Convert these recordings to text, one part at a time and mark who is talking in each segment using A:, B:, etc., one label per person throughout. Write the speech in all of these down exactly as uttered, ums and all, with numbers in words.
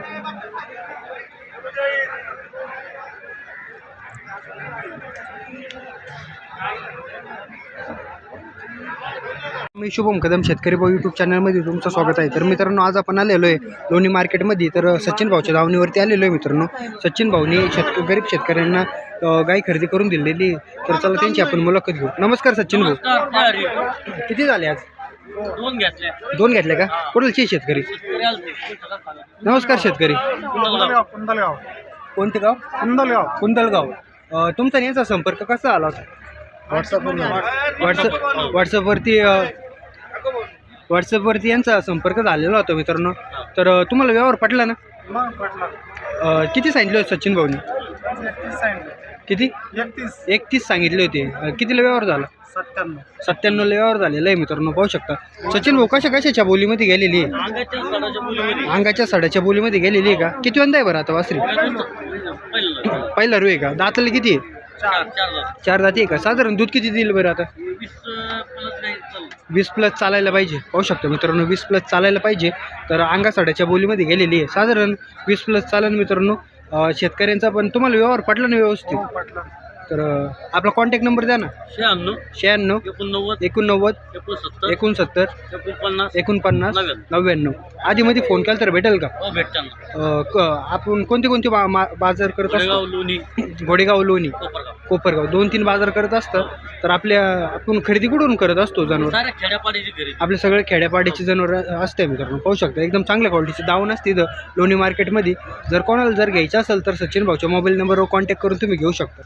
A: मी शुभम कदम शेतकरी भाऊ यूट्यूब चॅनलमध्ये तुमचं स्वागत आहे. तर मित्रांनो, आज आपण आलेलो आहे लोणी मार्केटमध्ये. तर सचिन भाऊच्या दावणीवरती आलेलो आहे मित्रांनो. सचिन भाऊनी शेतक गरीब शेतकऱ्यांना गाय खरेदी करून दिलेली. तर चला त्यांची आपण मुलाखत घेऊ. नमस्कार सचिन भाऊ, किती झाले आज?
B: दोन घेतले.
A: दोन घेतले का? कुठलचे शेतकरी? नमस्कार शेतकरी.
B: कुंदलगाव.
A: कोणते गाव?
B: कुंदलगाव.
A: कुंदलगाव. तुमचा याचा संपर्क कसा आला होता?
B: व्हॉट्सअप
A: व्हॉट्सअप व्हॉट्सअपवरती व्हॉट्सअपवरती यांचा संपर्क झालेला होता मित्रांनो. तर तुम्हाला व्यवहार पटला ना? किती सांगितले होते सचिन भाऊनी? किती?
B: एकतीस.
A: एकतीस सांगितले होते. कितीला व्यवहार झाला?
B: सत्त्याण्णव.
A: सत्त्याण्णवला व्यवहार झालेला आहे मित्रांनो, पाहू शकता. सचिन भाऊ कशा कशाच्या बोलीमध्ये गेलेली आहे? अंगाच्या सडाच्या बोलीमध्ये गेलेली आहे का? किती वंदा आहे बरं आता वासरी? पहिला रू आहे का? दाताला किती आहे? चार दाती आहे का? साधारण दूध किती दिलं बरं आता? वीस प्लस चालायला पाहिजे. पाहू शकतो मित्रांनो, वीस प्लस चालायला पाहिजे. तर अंगा साड्याच्या बोलीमध्ये गेलेली आहे. साधारण वीस प्लस चालेल मित्रांनो शेतकऱ्यांचा. पण तुम्हाला व्यवहार पटला ना व्यवस्थित? तर आपला कॉन्टॅक्ट नंबर द्या ना.
B: शहाण्णव
A: शहाण्णव
B: एकोणनव्वद
A: एकोणनव्वद
B: एकोणसत्तर
A: एकोणसत्तर
B: एकोणपन्नास
A: एकोणपन्नास नव्याण्णव. आधीमध्ये फोन केला तर भेटेल का?
B: हो भेटताना.
A: अ, क आपण कोणते कोणते बा मा बाजार करत असतो?
B: लोणी
A: घोडेगाव, लोणी,
B: कोपरगाव.
A: कोपरगाव, दोन तीन बाजार करत असतं. तर आपल्या आपण खरेदी कुठून करत असतो जनावर?
B: साऱ्या खेड्यापाड्याची खरेदी.
A: आपले सगळे खेड्यापाड्याची जनावर असते मित्रांनो, पाहू शकता. एकदम चांगल्या क्वालिटीची दावण असते इथं लोणी मार्केटमध्ये. जर कोणाला जर घ्यायचं असेल तर सचिन भाऊच्या मोबाईल नंबरवर कॉन्टॅक्ट करून तुम्ही घेऊ शकता.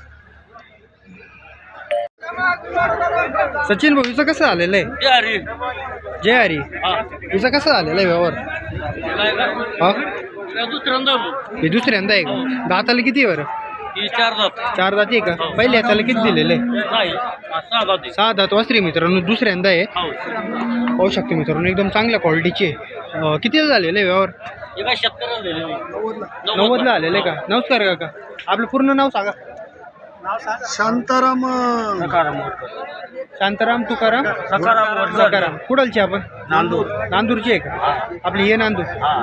A: सचिन भाऊ, हिचं कसं आलेलं आहे? जय हरी. हिचं कसं आलेलं आहे व्यवहार? हा,
B: दुसऱ्यांदा
A: हे दुसऱ्यांदा आहे का? दाताला किती आहे बरं?
B: चार दात.
A: चार दाती आहे का? पहिले हाताला किती दिलेलं आहे?
B: सहा दात.
A: सहा दात वासरी मित्रांनो, दुसऱ्यांदा आहे. पाहू शकतो मित्रांनो, एकदम चांगल्या क्वालिटीचे. कितीला झालेलं आहे व्यवहार? नव्वदला आलेलं आहे का? नमस्कार काका, आपलं पूर्ण नाव सांगा.
B: शांताराम
A: शांताराम तुकाराम सकाराम. कुडालचे आपण?
B: नांदूर.
A: नांदूरचे आहे का? आपले हे नांदूर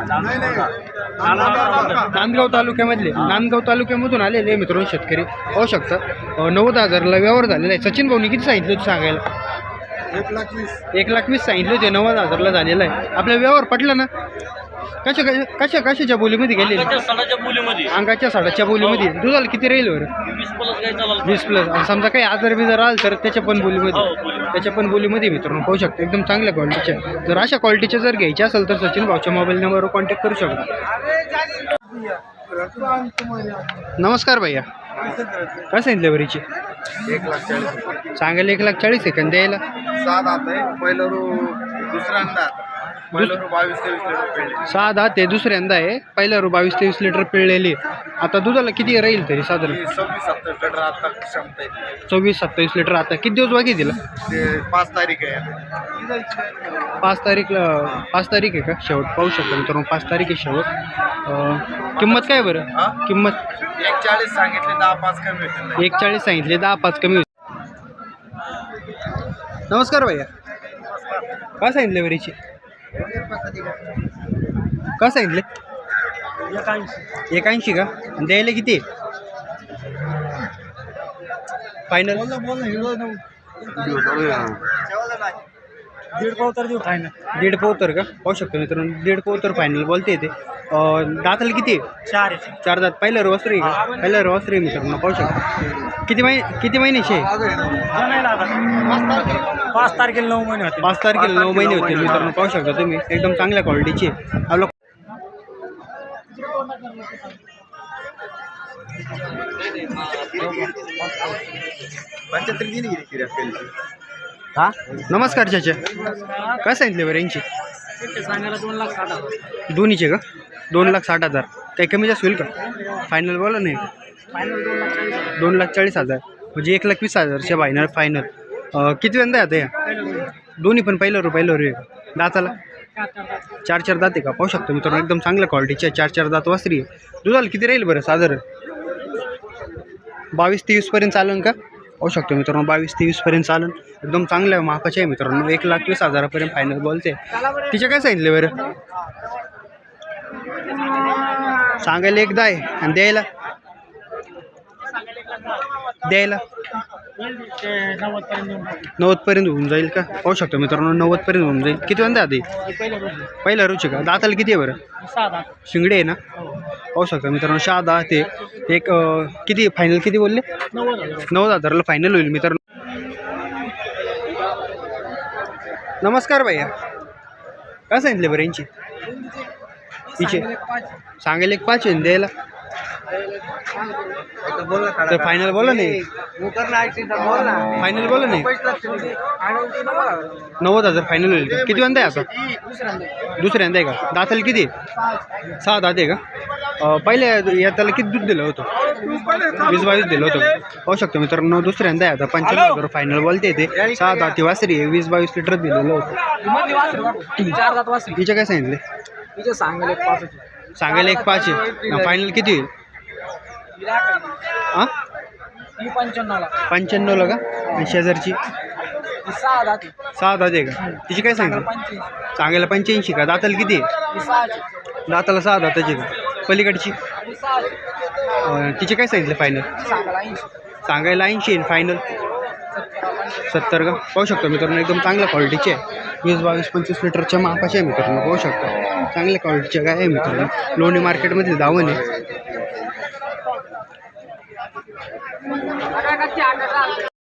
A: नांदगाव तालुक्यामधले. नांदगाव तालुक्यामधून आलेले आहे मित्रांनो शेतकरी, पाहू शकता. नव्वद हजारला व्यवहार झालेला आहे. सचिन भाऊनी किती सांगितलं होतं सांगायला?
B: एक लाख वीस.
A: एक लाख वीस सांगितले होते. नव्वद हजारला झालेला आहे. आपला व्यवहार पटला ना? कशा कशा कशाच्या बोलीमध्ये गेले? अंगाच्या साडाच्या बोलीमध्ये. दुधाला किती राहील बरं? वीस प्लस. आणि समजा काही आजार बिजार आला तर त्याच्या पण बोलीमध्ये त्याच्या पण बोलीमध्ये मित्रांनो, पाहू शकतो. एकदम चांगल्या क्वालिटीच्या. जर अशा क्वालिटीच्या जर घ्यायच्या असेल तर सचिन भाऊच्या मोबाईल नंबरवर कॉन्टॅक्ट करू शकता. नमस्कार भैया, काय सांगितलं बरीची?
B: एक लाख चाळीस.
A: सांगायला एक लाख चाळीस आहे का? द्यायला
B: सात हात आहे. पहिलं रू दुसऱ्यांदा पहिलं रू बावीस तेवीस लिटर पेंड.
A: सहा दहा ते दुसऱ्यांदा आहे. पहिल्या रू बावीस तेवीस लिटर पिळलेली. आता दुधाला किती राहील तरी साधारण?
B: सव्वीस सत्तावीस लिटर आता क्षमता आहे.
A: चोवीस सत्तावीस लिटर. आता किती दिवस बाकी दिला?
B: ते पाच तारीख आहे.
A: पाच तारीखला पाच तारीख आहे का शेवट? पाहू शकतो मित्रांनो, पाच तारीख आहे शेवट. किंमत काय बरं?
B: हा?
A: किंमत
B: एक चाळीस सांगितले, दहा पाच कमी होतील.
A: एक चाळीस सांगितले, दहा पाच कमी होते. नमस्कार भैया, काय सांगितले बरीची? काय सांगितले? एक ऐंशी का? द्यायला किती फायनल?
B: दीड पावतर देऊ फायनल.
A: दीड पोतर का? पाहू शकतो मित्रांनो, दीड पोतर फायनल बोलते येते. दाताला किती?
B: चार.
A: चार दात. पहिलं रोसरी का? पहिलं रोसरी मित्रांनो, पाहू शकतो. किती महिने किती महिन्याचे आहे?
B: पाच तारखेला नऊ महिने होते.
A: पाच तारखेला नऊ महिने होते मित्रांनो, पाहू शकता तुम्ही. एकदम चांगल्या क्वालिटीची. आपलं
B: पंच्याहत्तर गेली गेली.
A: हा, नमस्कार चाचा, काय सांगितले बरं यांची?
B: सांगायला दोन लाख साठ हजार.
A: दोन्हीचे का? दोन लाख साठ हजार. काही कमी जास्त होईल का? फायनल बोला नाही.
B: फायनल दोन लाख चाळीस हजार.
A: दोन लाख चाळीस हजार म्हणजे एक लाख वीस हजारच्या फायनल फायनल. किती वेंदा आहे आता या दोन्ही पण? पहिलं रू पहिलं रू आहे का? दाताला चार चार दात आहे का? पाहू शकतो मित्रांनो, एकदम चांगल्या क्वालिटीच्या चार चार दात वासरी आहे. दुधाला किती राहील बरं साधारण? बावीस तेवीसपर्यंत चालेल का? पाहू शकतो मित्रांनो, बावीस तेवीसपर्यंत चालेल. एकदम चांगल्या मापाचे आहे मित्रांनो. एक लाख वीस हजारापर्यंत फायनल बोलते. तिचे काय सांगितले बरं? सांगायला एकदा आहे आणि द्यायला द्यायला नव्वद पर्यंत होऊन जाईल का? पाहू शकतो मित्रांनो, नव्वद पर्यंत होऊन जाईल. किती वाजता आधी पहिला रुची का? दाताला किती आहे बरं? शिंगडे आहे ना? पाहू शकतो मित्रांनो, सहा दहा ते एक अं, किती फायनल किती बोलले? नव्वद हजाराला फायनल होईल मित्रांनो. नमस्कार भैया, काय सांगितले बरं यांची? तिचे सांगायला एक पाच आहे द्यायला तर फायनल बोला नाही. फायनल बोला नाही. नव्वद हजार फायनल होईल का? किती वाजता आहे आता? दुसऱ्यांदा आहे का? दाताला किती? सहा दात आहे का? अं, पहिल्या यात्याला किती दूध दिलं होतं? वीस बावीस दिलं होतं. पाहू शकतो मित्रांनो, दुसऱ्यांदा आहे आता. पंच्याण्णव हजार फायनल बोलते ते. सहा दाती वासरी आहे, वीस बावीस लिटर दिलेलं होतं. तिचे काय सांगितले? सांगायला एक पाच आहे. फायनल किती होईल? हां पंच्याण्णवला का? आणि शेजारची सहा दात आहे का? तिची काय सांगितलं? सांगायला पंच्याऐंशी का? दाताला किती आहे? दाताला सहा दाताची का? पलीकडची अं, तिचे काय सांगितलं फायनल? सांगायला ऐंशी आहे फायनल सत्तर का? पाहू शकतो मित्रांनो, एकदम चांगल्या क्वालिटीचे आहे. वीस बावीस पंचवीस लिटरच्या मापाचे आहे मित्रांनो. पाहू शकतो चांगल्या क्वालिटीचे काय आहे मित्रांनो. लोणी मार्केटमधले दावण आहे.